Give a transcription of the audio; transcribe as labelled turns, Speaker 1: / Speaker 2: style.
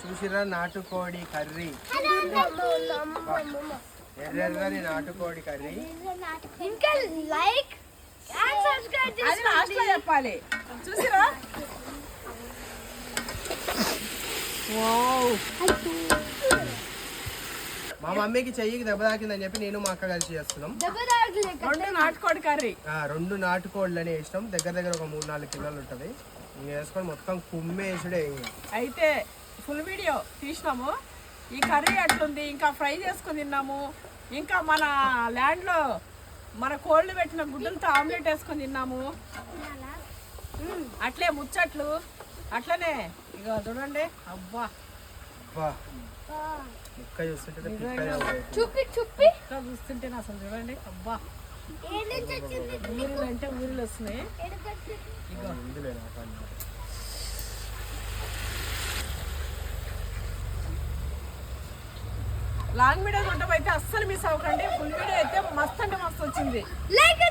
Speaker 1: చూసిరా నాటుకోడి కర్రీ, ఎర్రని నాటుకోడి కర్రీ.
Speaker 2: ఇంకా లైక్ అండ్ సబ్స్క్రైబ్
Speaker 3: అది లాస్ట్ లో చెప్పాలి. చూసిరా
Speaker 1: మా మమ్మీకి చెయ్యికి దెబ్బ తాకిందని చెప్పి నేను మా అక్క కలిసి చేస్తున్నాం.
Speaker 3: రెండు నాటుకోడి కర్రీ.
Speaker 1: 2 నాటుకోళ్ళని వేసినాం. దగ్గర దగ్గర ఒక 3-4 కిలోలు ఉంటుంది. వేసుకొని మొత్తం కుమ్మేసుడే.
Speaker 3: అయితే ఫుల్ వీడియో తీసినాము. ఈ కర్రీ అట్లుంది. ఇంకా ఫ్రై చేసుకొని తిన్నాము. ఇంకా మన ల్యాండ్లో మన కోళ్ళు పెట్టిన గుడ్డలతో ఆమ్లెట్ వేసుకొని తిన్నాము. అట్లే ముచ్చట్లు అట్లనే ఇక చూడండి. అబ్బా
Speaker 1: ముక్క చూస్తుంటే
Speaker 3: చూస్తుంటేనే అసలు చూడండి. అబ్బా ఊరిలో అంటే ఊరిలో వస్తున్నాయి. లాంగ్ వీడియో చూడటం అయితే అస్సలు మిస్ అవ్వకండి. ఫుల్ వీడియో అయితే మస్తు అంటే మస్తు వచ్చింది.